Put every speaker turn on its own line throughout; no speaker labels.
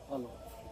Hello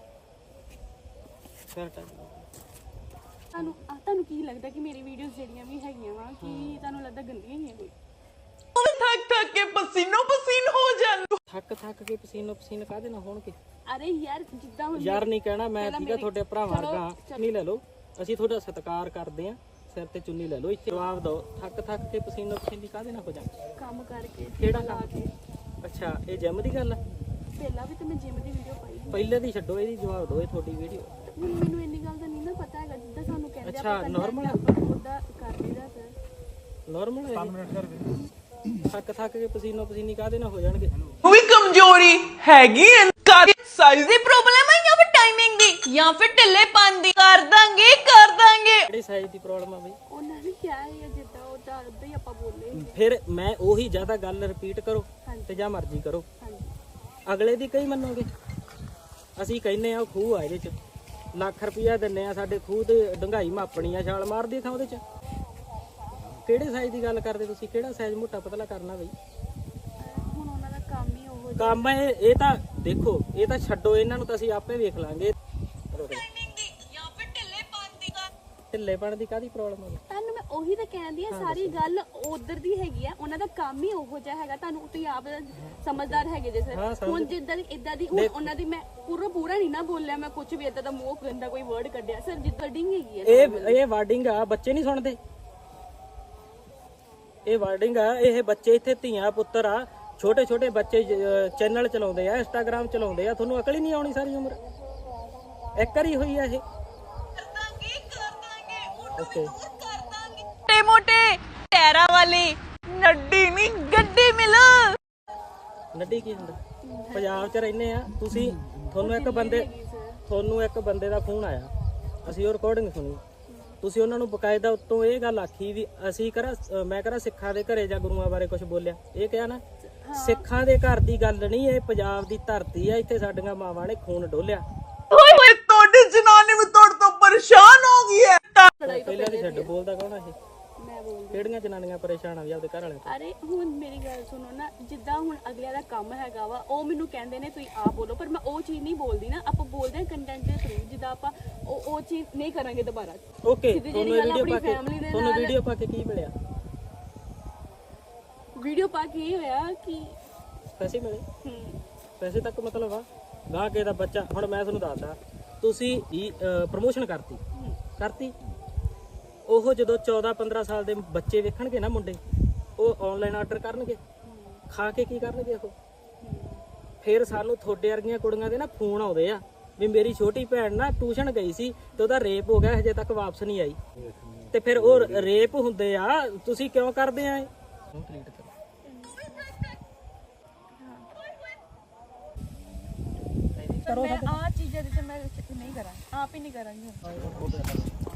ਫਿਰ time
ਤੁਹਾਨੂੰ ਕੀ ਲੱਗਦਾ ਕਿ ਮੇਰੀ ਵੀਡੀਓਜ਼ ਜਿਹੜੀਆਂ ਵੀ ਹੈਗੀਆਂ ਵਾ ਕਿ ਤੁਹਾਨੂੰ ਲੱਗਦਾ ਗੰਦੀਆਂ ਹੀ ਆ ਕੋਈ?
ਥੱਕ ਥੱਕ ਕੇ ਪਸੀਨੋ ਪਸੀਨ ਹੋ ਜਾਂਦੇ।
ਥੱਕ ਕੇ ਪਸੀਨੋ ਪਸੀਨ ਕਾਹਦੇ ਨਾਲ ਹੋਣਗੇ?
ਅਰੇ ਯਾਰ ਜਿੱਦਾਂ ਹੁਣ
ਯਾਰ ਨਹੀਂ ਕਹਿਣਾ ਮੈਂ ਠੀਕ ਆ, ਤੁਹਾਡੇ ਭਰਾ ਵਰਗਾ ਨਹੀਂ ਲੈ ਲਓ, ਅਸੀਂ ਤੁਹਾਡਾ ਸਤਿਕਾਰ ਕਰਦੇ ਆ, ਸਿਰ ਤੇ ਚੁੰਨੀ ਲੈ ਲਓ, ਇੱਥੇ ਜਵਾਬ ਦਿਓ। ਥੱਕ ਕੇ ਪਸੀਨੋ ਪਸੀਨੀ ਕਾਹਦੇ ਨਾਲ ਹੋ ਜਾਂਦੇ?
ਕੰਮ ਕਰਕੇ
ਕਿਹੜਾ ਕੰਮ? ਅੱਛਾ ਇਹ ਜਿਮ ਦੀ ਗੱਲ ਆ?
ਪਹਿਲਾਂ ਵੀ ਤਾਂ ਮੈਂ ਜਿਮ ਦੀ ਵੀਡੀਓ ਪਾਈ ਸੀ।
ਪਹਿਲੇ ਦੀ ਛੱਡੋ, ਇਹਦੀ ਜਵਾਬ ਦਿਓ, ਇਹ ਤੁਹਾਡੀ ਵੀਡੀਓ।
ਹੁਣ ਮੈਨੂੰ ਇੰਨੀ ਗੱਲ ਦਾ ਨਹੀਂ ਨਾ ਪਤਾ ਹੈਗਾ, ਜਿੱਦਾਂ ਸਾਨੂੰ ਕਹਿੰਦੇ
ਅੱਛਾ ਨਾਰਮਲ
ਉਹਦਾ ਕਰ ਲਈਦਾ ਸਰ।
ਨਾਰਮਲ ਹੈ 5 ਮਿੰਟ ਕਰ ਦੇ। ਥੱਕ ਕੇ ਪਸੀਨੋ ਪਸੀਨੀ ਕਾਹਦੇ ਨਾਲ ਹੋ ਜਾਣਗੇ?
ਉਹ ਵੀ ਕਮਜ਼ੋਰੀ ਹੈਗੀ ਐ, ਸਾਈਜ਼ ਦੀ ਪ੍ਰੋਬਲਮ ਹੈ ਜਾਂ ਫਿਰ ਟਾਈਮਿੰਗ ਦੀ ਜਾਂ ਫਿਰ ਢਿੱਲੇਪਨ ਦੀ? ਕਰ ਦਾਂਗੇ
ਕਿਹੜੀ ਸਾਈਜ਼ ਦੀ ਪ੍ਰੋਬਲਮ ਆ ਬਈ?
ਉਹਨਾਂ ਨੇ ਕਿਹਾ ਹੈ ਜਿੱਦਾਂ ਉਹਦਾ ਉਦਾਂ ਹੀ ਆਪਾਂ ਬੋਲੇ।
ਫਿਰ ਮੈਂ ਉਹੀ ਜ਼ਿਆਦਾ ਗੱਲ ਰਿਪੀਟ ਕਰੋ ਤੇ ਜਾਂ ਮਰਜ਼ੀ ਕਰੋ, ਅਗਲੇ ਦੀ ਕਈ ਮੰਨੋਗੇ? ਅਸੀਂ ਕਹਿੰਨੇ ਆ ਉਹ ਖੂਹ ਆ, ਇਹਦੇ ਚ ਲੱਖ ਰੁਪਇਆ ਦਿੰਨੇ ਆ, ਸਾਡੇ ਖੂਹ ਤੇ ਡੰਗਾਈ ਮਾਪਣੀ ਆ, ਛਾਲ ਮਾਰਦੀ ਥਾਂ ਉਹਦੇ ਚ। ਕਿਹੜੇ ਸਾਈਜ਼ ਦੀ ਗੱਲ ਕਰਦੇ ਤੁਸੀਂ? ਕਿਹੜਾ ਸਾਈਜ਼ ਮੋਟਾ ਪਤਲਾ ਕਰਨਾ ਬਈ?
ਹੁਣ ਉਹਨਾਂ ਦਾ ਕੰਮ ਹੀ ਉਹ
ਕੰਮ ਇਹ ਤਾਂ ਦੇਖੋ, ਇਹ ਤਾਂ ਛੱਡੋ, ਇਹਨਾਂ ਨੂੰ ਤਾਂ ਅਸੀਂ ਆਪੇ ਵੇਖ ਲਾਂਗੇ। ਢਿੱਲੇਪਣ ਦੀ ਕਾਹਦੀ ਪ੍ਰੋਬਲਮ ਆ?
ਤੁਹਾਨੂੰ ਮੈਂ ਉਹੀ ਤਾਂ ਕਹਿੰਦੀ ਆ, ਸਾਰੀ ਗੱਲ ਉਧਰ ਦੀ ਹੈਗੀ ਆ, ਉਹਨਾਂ ਦਾ ਕੰਮ ਹੀ ਉਹੋ ਜਿਹਾ ਹੈਗਾ। ਤੁਹਾਨੂੰ ਤੁਸੀਂ ਆਪ ਸਮਝਦਾਰ ਹੈਗੇ ਜੇ ਸਰ। ਹੁਣ ਜਿੱਦਾਂ ਇਦਾਂ ਦੀ ਹੁਣ ਉਹਨਾਂ ਦੀ ਮੈਂ ਪੂਰਾ ਨਹੀਂ ਨਾ ਬੋਲਿਆ, ਮੈਂ ਕੁਝ ਵੀ ਇਦਾਂ ਦਾ ਮੂੰਹ ਗੰਦਾ ਕੋਈ ਵਰਡ ਕੱਢਿਆ ਸਰ, ਜਿੱਦਾਂ ਵਰਡਿੰਗ ਹੈਗੀ ਆ।
ਇਹ ਵਾਰਡਿੰਗ ਆ, ਬੱਚੇ ਨਹੀਂ ਸੁਣਦੇ। ਇਹ ਵਾਰਡਿੰਗ ਆ, ਇਹ ਬੱਚੇ ਇੱਥੇ ਧੀਆਂ ਪੁੱਤਰ ਆ, ਛੋਟੇ ਬੱਚੇ ਚੈਨਲ ਚਲਾਉਂਦੇ ਆ, ਇੰਸਟਾਗ੍ਰਾਮ ਚਲਾਉਂਦੇ ਆ, ਤੁਹਾਨੂੰ ਅਕਲ ਹੀ ਨਹੀਂ ਆਉਣੀ ਸਾਰੀ ਉਮਰ? ਇੱਕ ਵਾਰੀ ਹੋਈ ਆ ਇਹ? ਓਕੇ
ਮੋਟੇ ਟੈਰਾ ਵਾਲੀ ਨੱਡੀ ਨਹੀਂ ਗੱਡੀ ਮਿਲ।
ਨੱਡੀ ਕੀ ਹੁੰਦਾ? ਪੰਜਾਬ 'ਚ ਰਹਿੰਦੇ ਆ ਤੁਸੀਂ, ਤੁਹਾਨੂੰ ਇੱਕ ਬੰਦੇ ਦਾ ਫੋਨ ਆਇਆ, ਅਸੀਂ ਉਹ ਰਿਕਾਰਡਿੰਗ ਸੁਣੀ, ਤੁਸੀਂ ਉਹਨਾਂ ਨੂੰ ਬਕਾਇਦਾ ਉੱਤੋਂ ਇਹ ਗੱਲ ਆਖੀ ਵੀ ਅਸੀਂ ਮੈਂ ਕਰਾਂ ਸਿੱਖਾਂ ਦੇ ਘਰੇ ਜਾਂ ਗੁਰੂਆਂ ਬਾਰੇ ਕੁਝ ਬੋਲਿਆ? ਇਹ ਕਿਹਾ ਨਾ, ਸਿੱਖਾਂ ਦੇ ਘਰ ਦੀ ਗੱਲ ਨਹੀਂ, ਇਹ ਪੰਜਾਬ ਦੀ ਧਰਤੀ ਆ, ਇੱਥੇ ਸਾਡੀਆਂ ਮਾਵਾਂ ਨੇ ਖੂਨ ਡੋਲਿਆ।
ਓਏ ਤੁਹਾਡੀ ਜਨਾਨੀ ਵੀ ਤੁਹਾਡੇ ਤੋਂ ਪਰੇਸ਼ਾਨ ਹੋ ਗਈ ਹੈ।
ਪਹਿਲਾਂ ਦੀ ਛੱਡ, ਬੋਲਦਾ ਕੌਣ ਆ ਇਹ?
ਮੈਂ ਬੋਲਦੀ।
ਕਿਹੜੀਆਂ ਜਨਾਨੀਆਂ ਪਰੇਸ਼ਾਨ ਆ ਵੀ ਆਪਦੇ ਘਰ ਵਾਲੇ ਤੋਂ?
ਅਰੇ ਹੁਣ ਮੇਰੀ ਗੱਲ ਸੁਣੋ ਨਾ, ਜਿੱਦਾਂ ਹੁਣ ਅਗਲਿਆਂ ਦਾ ਕੰਮ ਹੈਗਾ ਵਾ, ਉਹ ਮੈਨੂੰ ਕਹਿੰਦੇ ਨੇ ਤੁਸੀਂ ਆਪ ਬੋਲੋ, ਪਰ ਮੈਂ ਉਹ ਚੀਜ਼ ਨਹੀਂ ਬੋਲਦੀ ਨਾ। ਆਪਾਂ ਬੋਲਦੇ ਹਾਂ ਕੰਟੈਂਟ ਦੇ ਥਰੂ, ਜਿੱਦਾਂ ਆਪਾਂ ਉਹ ਚੀਜ਼ ਨਹੀਂ ਕਰਾਂਗੇ ਦੁਬਾਰਾ।
ਓਕੇ, ਤੁਹਾਨੂੰ ਵੀਡੀਓ ਪਾ ਕੇ ਕੀ ਮਿਲਿਆ?
ਵੀਡੀਓ ਪਾ ਕੇ ਇਹ ਹੋਇਆ ਕਿ
ਪੈਸੇ ਮਿਲੇ? ਪੈਸੇ ਤੱਕ ਮਤਲਬ ਆ ਗਾਹ ਕੇ ਦਾ ਬੱਚਾ। ਹੁਣ ਮੈਂ ਤੁਹਾਨੂੰ ਦੱਸਦਾ, ਤੁਸੀਂ ਪ੍ਰਮੋਸ਼ਨ ਕਰਤੀ, ਉਹ ਜਦੋਂ 14-15 ਸਾਲ ਦੇ ਬੱਚੇ ਵੇਖਣਗੇ ਨਾ ਮੁੰਡੇ, ਉਹ ਆਨਲਾਈਨ ਆਰਡਰ ਕਰਨਗੇ, ਖਾ ਕੇ ਕੀ ਕਰਨਗੇ ਉਹ? ਫਿਰ ਸਾਨੂੰ ਤੁਹਾਡੇ ਵਰਗੀਆਂ ਕੁੜੀਆਂ ਦੇ ਨਾ ਫੋਨ ਆਉਂਦੇ ਆ ਵੀ ਮੇਰੀ ਛੋਟੀ ਭੈਣ ਨਾ ਟਿਊਸ਼ਨ ਗਈ ਸੀ ਤੇ ਉਹਦਾ ਰੇਪ ਹੋ ਗਿਆ, ਹਜੇ ਤੱਕ ਵਾਪਸ ਨਹੀਂ ਆਈ। ਤੇ ਫਿਰ ਉਹ ਰੇਪ ਹੁੰਦੇ ਆ, ਤੁਸੀਂ ਕਿਉਂ ਕਰਦੇ ਆ ਇਹ?
ਮੈਂ ਆ ਚੀਜ਼ਾਂ ਦੇ ਮੈਂ ਨਹੀਂ ਕਰਾਂ, ਆਪ ਹੀ ਨਹੀਂ ਕਰਾਂਗੀ।